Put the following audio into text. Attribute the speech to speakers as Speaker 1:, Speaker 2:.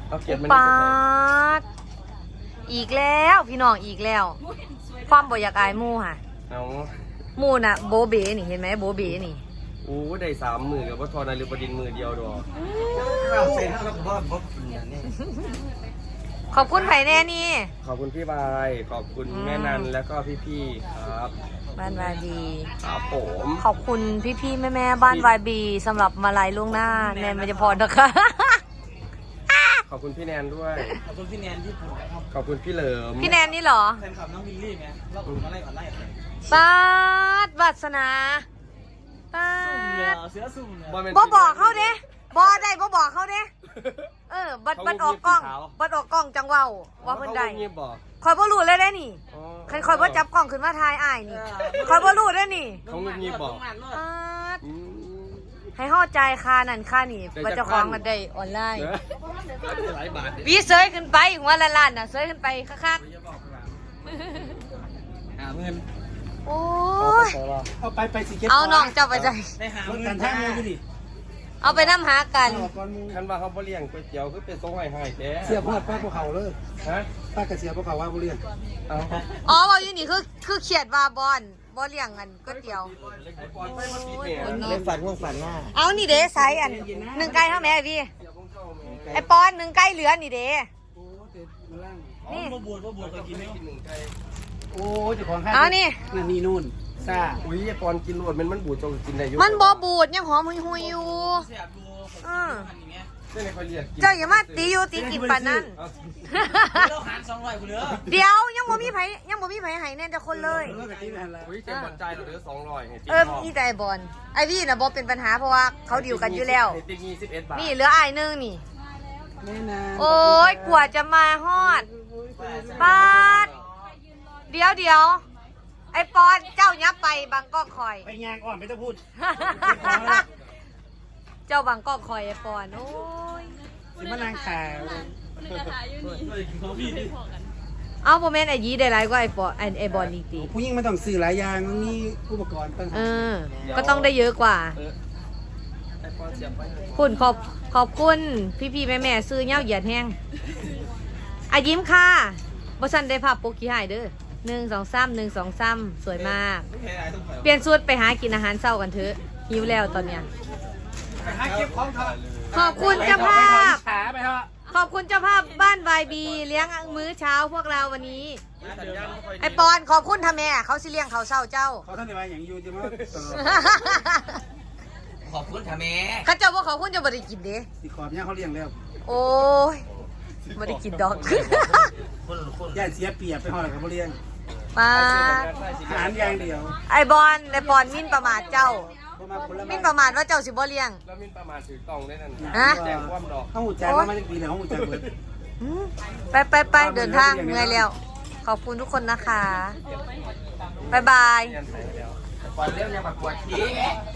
Speaker 1: เอาเขียนมัน
Speaker 2: ปาดอีกแล้วพี่น้องอีกแล้ว ความบ่อยากอายหมู่ค่ะ
Speaker 1: เอา
Speaker 2: หมู่น่ะโบเบนี่เห็นไหมโบเบนี่
Speaker 1: โอ้ได้3 มือกับว่าทอนาริบดินมือเดียวดอก
Speaker 3: เซ็นแล้วก็บอกนี่
Speaker 2: ขอบคุณไผ่แน่นี่
Speaker 1: ขอบคุณพี่บายขอบคุณแม่นันแล้วก็พี่ๆครับ
Speaker 2: บ้านวายบี
Speaker 1: ครับผม
Speaker 2: ขอบคุณพี่ๆแม่ๆบ้านวายบีสำหรับมาลัยล่วงหน้าแนนมันจะพรนะคะ
Speaker 1: ขอบคุณพี่แนนด้วย
Speaker 3: ขอบคุณพี่แนนที่ผมนะครับ
Speaker 1: ขอบคุณพี่เหลิม
Speaker 2: พี่แนนนี่เหรอ
Speaker 3: แฟนคลับน้องมิลลี่ไหมรอบผมมาไล่ก่อนไล่
Speaker 2: ปาดวัสนาปา
Speaker 3: สุ่มเลย
Speaker 2: ด
Speaker 3: เสือสุ่มเลย
Speaker 2: บ่บอกเขาเด้บ่ได้บ่บอกเขาเด้บัดออกกล้องบัดออกกล้องจังเว้าว่าเพิ่นได้
Speaker 1: เงียบบอก
Speaker 2: คอยบ่รู้เลยได้นี่
Speaker 1: อ๋อ
Speaker 2: คอยบ่จับกล้องขึ้นมาถ่ายอ้ายนี่คอยบ่รู้ได้นี่
Speaker 1: เขาเงียบบอก
Speaker 2: ปาด
Speaker 1: อืม
Speaker 2: ให้เข้าใจค่านั่นค่านี่ว่าเจ้าของมันได้ออนไลน์
Speaker 1: เนอะหลายบาท
Speaker 2: วีเซยขึ้นไปหัวละล้านน่ะเซยขึ้นไปคัก
Speaker 3: หาเงิน
Speaker 2: ๆโอ้ย
Speaker 3: เอาไปสิเก็ต
Speaker 2: เอาน้องเจ้าไปใจ
Speaker 3: ได้หาเงินท่ามือไปดิ
Speaker 2: เอาไปน้ำหากัน
Speaker 1: คันว่าเขาบ่เลี้ยงก๋วยเตี๋ยวคือเป็นทรงให้แท้
Speaker 4: เสียพอดป้าภูเขาเลย
Speaker 1: ฮะ
Speaker 4: ป้ากระเสียภูเขาว่าบุเรียน
Speaker 1: เอา
Speaker 2: อ๋อบอกอยู่นี่คือเขียดว่าบอลบ่เลี้ยงกันก๋วยเตี๋ยว
Speaker 1: ไอ้ปอนไปมาติดเนี่ย
Speaker 3: เล่นฝันง่วงฝันหน้า
Speaker 2: เอานี่เด้ไซส์อันหนึ่งไก่เท่าไหร่พี่ไอปอนหนึ่งไก่เหลือนี่เด้
Speaker 4: โอ้เต็มมาล่าง
Speaker 2: นี่
Speaker 3: บ่บวชเคยกินไหม
Speaker 4: โอ้เจ้าของห้าง
Speaker 2: เอานี่
Speaker 4: นั่นนี่นู่นซ่า
Speaker 1: อุ้ยไอ้ปอนกินรวดมันบูดจงกินได้อยู่
Speaker 2: มันบ่บูดยังหอมหุยๆอยู่
Speaker 3: เสียบดู
Speaker 2: อือ
Speaker 3: อย่างเงี้ย
Speaker 1: เส้นในคอยเรียกกิน
Speaker 2: เจ้าอย่ามาตีอยู่ตีกินปานนั้น
Speaker 1: เอา
Speaker 3: เราหาร200กูเหลือ
Speaker 2: เดี๋ยวยังบ่มีไผให้แน่จะคนเลย
Speaker 4: เลิกกับที่นั่นแล้ว
Speaker 1: อุ้ยเจ็บบอลใจเราเหลือ200ให้ติ๊ก
Speaker 2: มีแต่ไอบอลไอวี่น่ะบ่เป็นปัญหาเพราะว่าเขาดิวกันอยู่แล้ว
Speaker 1: ให้ติ๊ก21 บาท
Speaker 2: นี่เหลืออ้ายหนึงนี่
Speaker 4: แม่นาง
Speaker 2: โอ้ยกว่าจะมาฮอดปาดเดี๋ยวไอปอนเจ้ายับไปบางกอกคอย
Speaker 4: ไปงานก่อนไม่ต้องพูด
Speaker 2: เจ้าบางกอกคอยไอปอนโอ้ย
Speaker 4: สิมานางขาว
Speaker 2: เอาโมเมนต์ไอยีได้หลายกว่าไอบอลอีกตี
Speaker 4: ผู้หญิงไม่ต้องซื้อหลายอย่างมันมีอุปกรณ์ต่าง
Speaker 2: เอ
Speaker 4: หาก
Speaker 2: ก็ต้องได้เยอะกว่า
Speaker 1: ไอ้ปอนเสียบไป
Speaker 2: คุณขอบคุณพี่แม่ซื้อเงี้ยวเหยียดแห้งอายิ้มค่ะบอสันได้ภาพโปกี้หายเด้อ1 2 3 สวยมาก เปลี่ยนสูตรไปหากินอาหารเช้ากันเถอะหิวแล้วตอนเนี้ย
Speaker 3: ไปหาเก็บของเถอะ
Speaker 2: ขอบคุณเจ้าภาพ
Speaker 4: ขาไปเถอะ
Speaker 2: ขอบคุณเจ้าภาพบ้านวายบีเลี้ยงมื้อเช้าพวกเราวันนี้ ไอปอนขอบคุณทำแม่เขาสิเลี้ยงเขาเช้าเจ้า
Speaker 4: เขาท่านได้มาอย่างอยู่จะมาตลอด
Speaker 3: ขอบคุณท่าแม่
Speaker 2: เข้าเจ้าว่าขอบคุณจะบริกินเด้
Speaker 4: สิขอบเนี่ยเขาเลี้ยงแล้ว
Speaker 2: โอ้ยบริกินดอก
Speaker 4: ย่าเสียเปรียบไปห่อแล้วกับบุเรียน
Speaker 2: มา
Speaker 4: อาหารอย่างเดียว
Speaker 2: ไอบอลมินประมาทเจ้า
Speaker 4: เพราะมาผลไม้
Speaker 2: มินประมาทว่าเจ้าสิบ่เลี้ยง
Speaker 1: แล้วมินประมาณถือกล่องได้นั่น
Speaker 2: ฮะ
Speaker 1: แจกความดอก
Speaker 4: เขาหูจักมาจากปีแล้วเขาหูจักเบิด
Speaker 2: อืมไปเดินทางเหนื่อยแล้ว ขอบคุณทุกคนนะคะ บ๊ายบาย
Speaker 1: เรียนไปแล้ว
Speaker 3: ก่อนเรื่องยังประกวดที